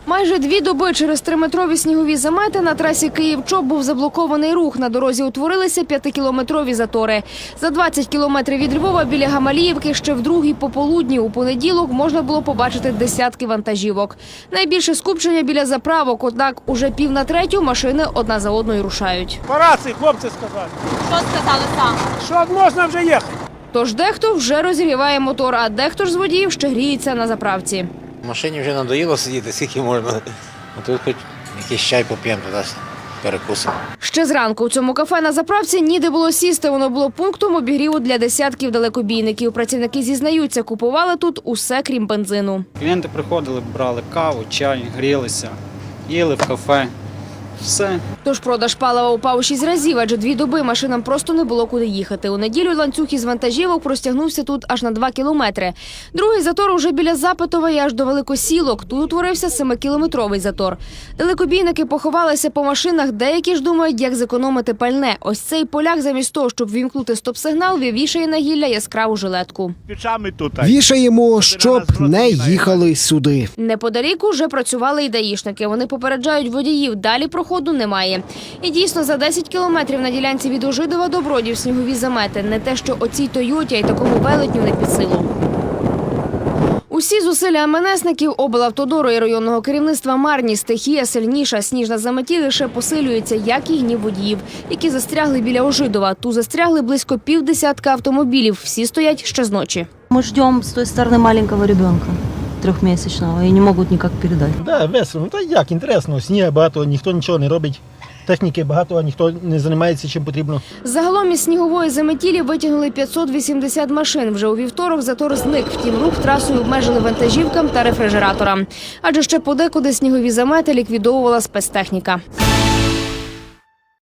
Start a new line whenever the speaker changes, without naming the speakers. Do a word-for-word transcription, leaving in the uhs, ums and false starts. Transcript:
Майже дві доби через триметрові снігові замети на трасі Київ-Чоп був заблокований рух. На дорозі утворилися п'ятикілометрові затори. За двадцять кілометрів від Львова біля Гамаліївки ще в другій пополудні у понеділок можна було побачити десятки вантажівок. Найбільше скупчення біля заправок, однак уже пів на третю машини одна за одною рушають.
По рації хлопці сказали.
Що сказали сам?
Що можна вже їхати.
Тож дехто вже розігріває мотор, а дехто ж з водіїв ще гріється на заправці.
В машині вже надоїло сидіти, скільки можна. А тут хоч якийсь чай поп'ємо, туди перекусимо.
Ще зранку у цьому кафе на заправці ніде було сісти. Воно було пунктом обігріву для десятків далекобійників. Працівники зізнаються, купували тут усе, крім бензину.
Клієнти приходили, брали каву, чай, грілися, їли в кафе. Все.
Тож продаж палива упав у шість разів, адже дві доби машинам просто не було куди їхати. У неділю ланцюг із вантажівок простягнувся тут аж на два кілометри. Другий затор уже біля Запитова і аж до Великосілок. Тут утворився семикілометровий затор. Далекобійники поховалися по машинах, деякі ж думають, як зекономити пальне. Ось цей поляк замість того, щоб вімкнути стоп-сигнал, вішає на гілля яскраву жилетку.
Пічами тут.
Вішаємо, щоб не їхали сюди.
Неподалік уже працювали і даїшники. Вони попереджають водіїв, далі проходу немає. І дійсно, за десять кілометрів на ділянці від Ужидова до Бродів снігові замети. Не те, що оцій Тойоті, а й такому велетню не під силу. Усі зусилля МНСників, облавтодору і районного керівництва марні. Стихія сильніша. Сніжна заметіль лише посилюється, як і гнів водіїв, які застрягли біля Ужидова. Тут застрягли близько півдесятка автомобілів. Всі стоять ще з ночі.
Мы ждем с той стороны маленького ребенка, трьохмісячного, і не можуть ніяк передати.
Да, весело. Та як, інтересно. Сніга багато, ніхто нічого не робить. Техніки багато, а ніхто не займається чим потрібно.
Загалом із снігової заметілі витягнули п'ятсот вісімдесят машин. Вже у вівторок затор зник. Втім, рух трасою обмежили вантажівкам та рефрижераторам. Адже ще подекуди снігові замети ліквідовувала спецтехніка.